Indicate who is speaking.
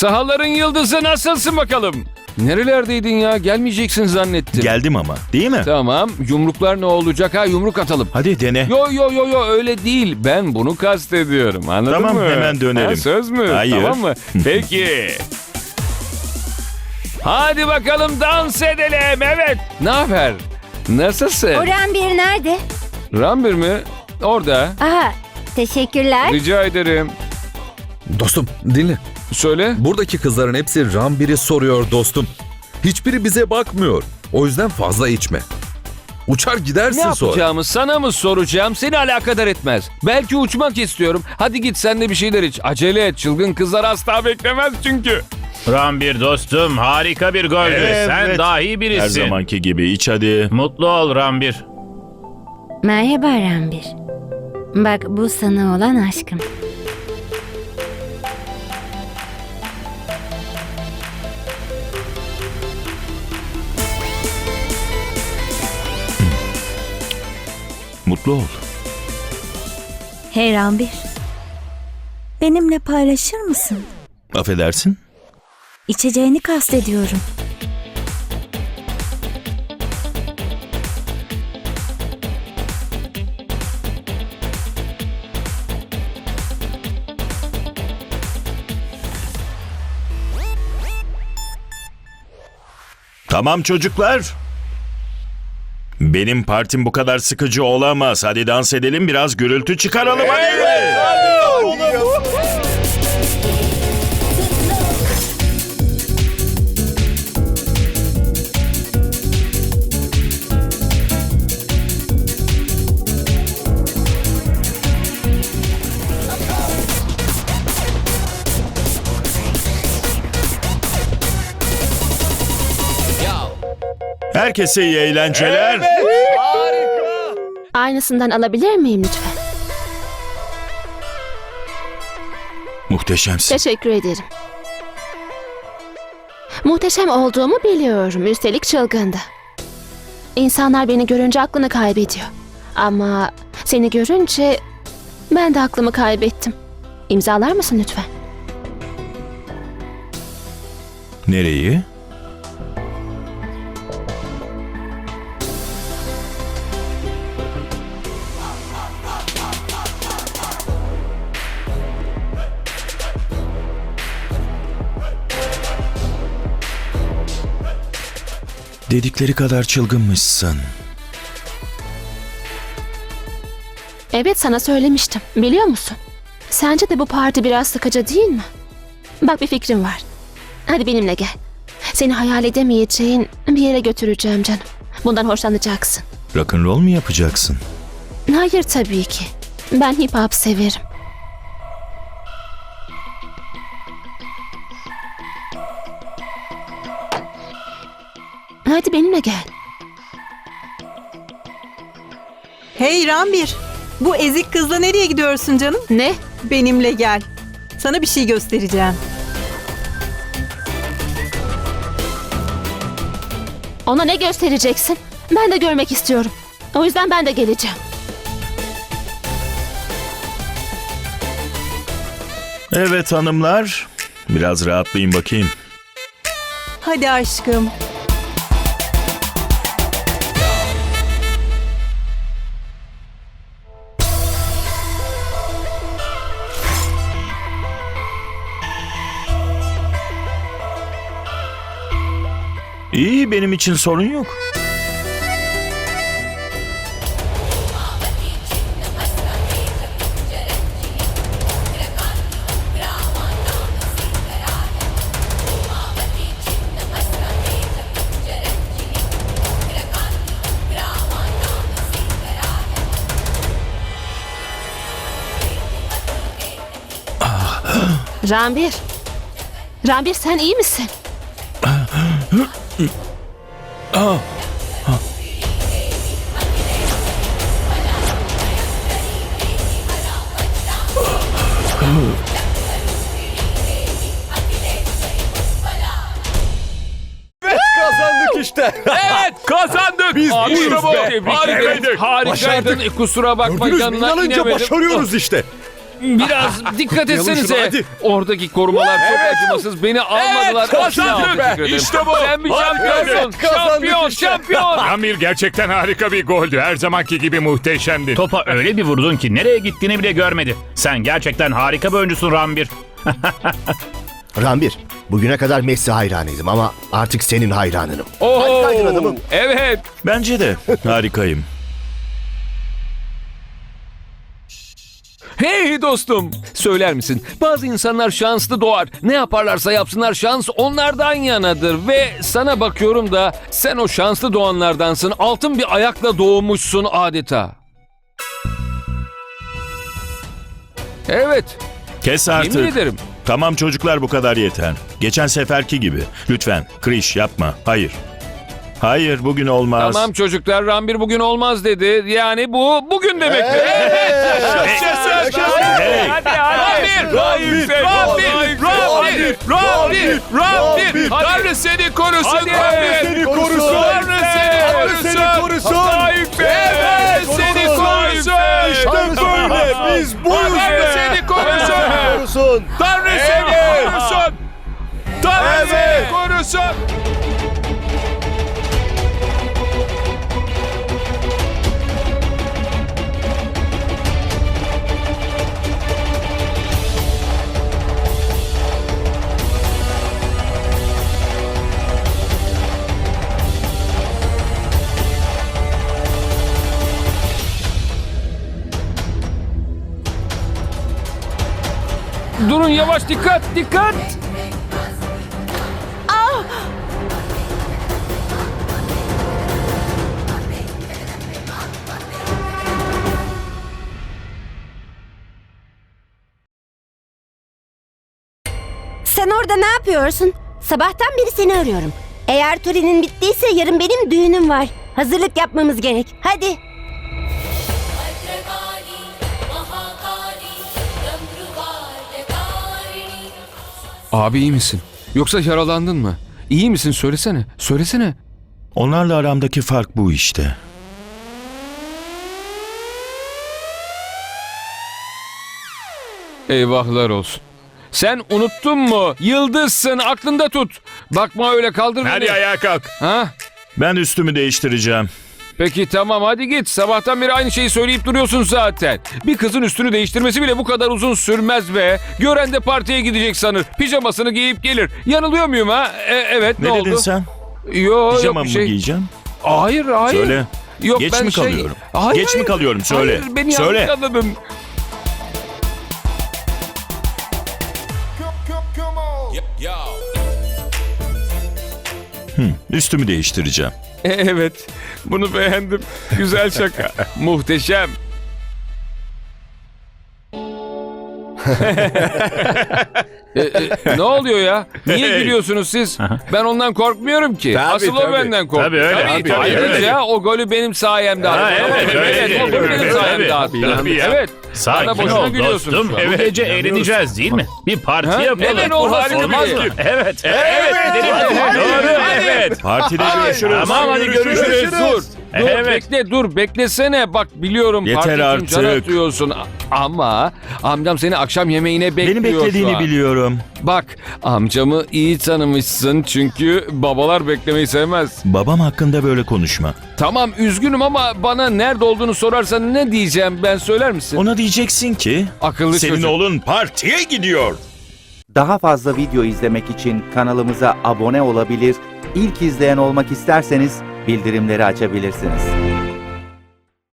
Speaker 1: Sahaların yıldızı nasılsın bakalım? Nerelerdeydin ya? Gelmeyeceksin zannettim.
Speaker 2: Geldim ama, değil mi?
Speaker 1: Tamam. Yumruklar ne olacak ha? Yumruk atalım.
Speaker 2: Hadi dene.
Speaker 1: Yo öyle değil. Ben bunu kastediyorum. Anladın
Speaker 2: Tamam,
Speaker 1: mı?
Speaker 2: hemen dönelim.
Speaker 1: Ha, söz mü?
Speaker 2: Hayır.
Speaker 1: Tamam mı? Peki. Hadi bakalım dans edelim. Evet. Ne haber? Nasılsın?
Speaker 3: Orhan bir nerede?
Speaker 1: Rambir mi? Orada.
Speaker 3: Aha, teşekkürler.
Speaker 1: Rica ederim.
Speaker 4: Dostum dinle.
Speaker 1: Söyle.
Speaker 4: Buradaki kızların hepsi Rambir'i soruyor dostum. Hiçbiri bize bakmıyor. O yüzden fazla içme. Uçar
Speaker 1: Ne
Speaker 4: gidersin sonra.
Speaker 1: yapacağımı sana mı soracağım? Seni alakadar etmez. Belki uçmak istiyorum. Hadi git sen de bir şeyler iç. Acele et. Çılgın kızlar asla beklemez çünkü.
Speaker 5: Rambir dostum, harika bir goldü.
Speaker 2: Evet.
Speaker 5: Sen dahi birisin.
Speaker 2: Her zamanki gibi iç hadi.
Speaker 5: Mutlu ol Rambir.
Speaker 3: Merhaba Rambir. Bak bu sana olan aşkım.
Speaker 2: Mutlu ol.
Speaker 6: Hey Rambir. Benimle paylaşır mısın?
Speaker 2: Affedersin.
Speaker 6: İçeceğini kastediyorum.
Speaker 2: Tamam çocuklar. Benim partim bu kadar sıkıcı olamaz. Hadi dans edelim, biraz gürültü çıkaralım. Hadi. Herkese iyi eğlenceler.
Speaker 7: Aynısından alabilir miyim lütfen?
Speaker 2: Muhteşemsin.
Speaker 7: Teşekkür ederim. Muhteşem olduğumu biliyorum. Üstelik çılgındı. İnsanlar beni görünce aklını kaybediyor. Ama seni görünce ben de aklımı kaybettim. İmzalar mısın lütfen?
Speaker 2: Nereyi? Dedikleri kadar çılgınmışsın.
Speaker 7: Evet, sana söylemiştim. Biliyor musun? Sence de bu parti biraz sıkıcı değil mi? Bak, bir fikrim var. Hadi benimle gel. Seni hayal edemeyeceğin bir yere götüreceğim canım. Bundan hoşlanacaksın.
Speaker 2: Rock'n'roll mu yapacaksın?
Speaker 7: Hayır tabii ki. Ben hip hop severim. Hadi benimle gel.
Speaker 8: Hey Rambir, bu ezik kızla nereye gidiyorsun canım?
Speaker 7: Ne?
Speaker 8: Benimle gel. Sana bir şey göstereceğim.
Speaker 7: Ona ne göstereceksin? Ben de görmek istiyorum. O yüzden ben de geleceğim.
Speaker 2: Evet hanımlar. Biraz rahatlayın bakayım.
Speaker 8: Hadi aşkım.
Speaker 2: İyi, benim için sorun yok.
Speaker 7: Rambir. Rambir, sen iyi misin?
Speaker 4: Kazandık işte.
Speaker 1: Evet kazandık.
Speaker 4: Biz
Speaker 1: Abi,
Speaker 4: buyuz
Speaker 1: bravo.
Speaker 4: be.
Speaker 1: Tebrik ederim. Harikaydın. Kusura bakma
Speaker 4: Gördünüz mü?
Speaker 1: yanına
Speaker 4: İnanınca
Speaker 1: inemedim.
Speaker 4: başarıyoruz işte.
Speaker 1: Biraz dikkat
Speaker 2: Yalın şunu,
Speaker 1: etsenize.
Speaker 2: hadi.
Speaker 1: Oradaki korumalar çok acımasız. Beni almadılar. Asla teşekkür ederim.
Speaker 2: İşte bu.
Speaker 1: Sen bir
Speaker 2: Harika.
Speaker 1: şampiyonsun. Şampiyon, şampiyon.
Speaker 9: Amir gerçekten harika bir goldü. Her zamanki gibi muhteşemdi.
Speaker 5: Topa öyle bir vurdun ki nereye gittiğini bile görmedi. Sen gerçekten harika bir oyuncusun Rambir.
Speaker 10: Rambir, bugüne kadar Messi hayranıydım ama artık senin hayranınım. Harikaydın adamım.
Speaker 1: Evet.
Speaker 2: Bence de harikayım.
Speaker 1: Hey dostum, söyler misin? Bazı insanlar şanslı doğar. Ne yaparlarsa yapsınlar şans onlardan yanadır. Ve sana bakıyorum da sen o şanslı doğanlardansın. Altın bir ayakla doğmuşsun adeta. Evet,
Speaker 2: Kes
Speaker 1: yemin
Speaker 2: artık.
Speaker 1: ederim.
Speaker 2: Tamam çocuklar, bu kadar yeter. Geçen seferki gibi. Lütfen Kriş yapma. Hayır. Hayır, bugün olmaz.
Speaker 1: Tamam çocuklar, Rambir bugün olmaz dedi. Yani bu bugün demek. Evet.
Speaker 2: Hey.
Speaker 1: Hadi hadi. Rambir. Tanrı seni korusun. Tanrı seni korusun. Tanrı seni korusun. Evet seni korusun.
Speaker 10: İşte böyle, biz buyuz
Speaker 1: Tanrı seni korusun. Tanrı seni korusun. Tanrı seni korusun. Durun yavaş, dikkat dikkat.
Speaker 3: Sen orada ne yapıyorsun? Sabahtan beri seni arıyorum. Eğer törenin bittiyse yarın benim düğünüm var. Hazırlık yapmamız gerek. Hadi.
Speaker 1: Abi iyi misin? Yoksa yaralandın mı? İyi misin? Söylesene. Söylesene.
Speaker 2: Onlarla aramdaki fark bu işte.
Speaker 1: Eyvahlar olsun. Sen unuttun mu? Yıldızsın, aklında tut. Bakma öyle, kaldır
Speaker 9: Hadi
Speaker 1: beni.
Speaker 9: ayağa kalk.
Speaker 1: Ha?
Speaker 2: Ben üstümü değiştireceğim.
Speaker 1: Peki tamam, hadi git. Sabahtan beri aynı şeyi söyleyip duruyorsun zaten. Bir kızın üstünü değiştirmesi bile bu kadar uzun sürmez be. Gören de partiye gidecek sanır. Pijamasını giyip gelir. Yanılıyor muyum ha? Evet, ne
Speaker 2: Ne
Speaker 1: oldu?
Speaker 2: dedin sen?
Speaker 1: Yok
Speaker 2: Pijama
Speaker 1: bir
Speaker 2: mı
Speaker 1: şey.
Speaker 2: giyeceğim?
Speaker 1: Hayır.
Speaker 2: Söyle.
Speaker 1: Yok,
Speaker 2: Geç
Speaker 1: ben
Speaker 2: mi kalıyorum?
Speaker 1: Hayır,
Speaker 2: Geç mi kalıyorum? Söyle.
Speaker 1: Hayır, beni
Speaker 2: Söyle.
Speaker 1: yanlış anladın.
Speaker 2: Üstümü değiştireceğim.
Speaker 1: Evet, bunu beğendim. Güzel şaka. Muhteşem. Ne oluyor ya? Niye gülüyorsunuz siz? Ben ondan korkmuyorum ki. Asıl o benden korkuyor.
Speaker 5: Tabii öyle. Tabii,
Speaker 1: Ayrıca o golü benim sayemde attı.
Speaker 5: evet,
Speaker 1: O golü benim
Speaker 5: evet,
Speaker 1: sayemde
Speaker 5: evet.
Speaker 1: attı.
Speaker 5: Tabii ya.
Speaker 1: Evet. Bana
Speaker 5: Sakin
Speaker 1: boşuna
Speaker 5: ol
Speaker 1: gülüyorsunuz
Speaker 5: dostum.
Speaker 1: şu an.
Speaker 5: Bu gece eğleneceğiz değil mi? Bir parti
Speaker 1: Ha?
Speaker 5: yapalım.
Speaker 1: Neden olmaz
Speaker 5: Olmaz
Speaker 1: ki?
Speaker 5: mı? Evet. Evet. Doğru. Evet.
Speaker 2: Partide görüşürüz.
Speaker 5: Tamam hadi görüşürüz.
Speaker 1: Dur.
Speaker 5: Evet.
Speaker 1: Dur beklesene. Bak biliyorum
Speaker 2: Yeter
Speaker 1: parti için can
Speaker 2: artık.
Speaker 1: atıyorsun. Ama amcam seni akşam yemeğine bekliyor
Speaker 2: Beni
Speaker 1: şu
Speaker 2: beklediğini
Speaker 1: an.
Speaker 2: biliyorum.
Speaker 1: Bak amcamı iyi tanımışsın çünkü babalar beklemeyi sevmez.
Speaker 2: Babam hakkında böyle konuşma.
Speaker 1: Tamam üzgünüm ama bana nerede olduğunu sorarsan ne diyeceğim ben, söyler misin?
Speaker 2: Ona diyeceksin ki
Speaker 1: Akıllı
Speaker 2: senin
Speaker 1: çocuk.
Speaker 2: oğlun partiye gidiyor.
Speaker 11: Daha fazla video izlemek için kanalımıza abone olabilir, ilk izleyen olmak isterseniz bildirimleri açabilirsiniz.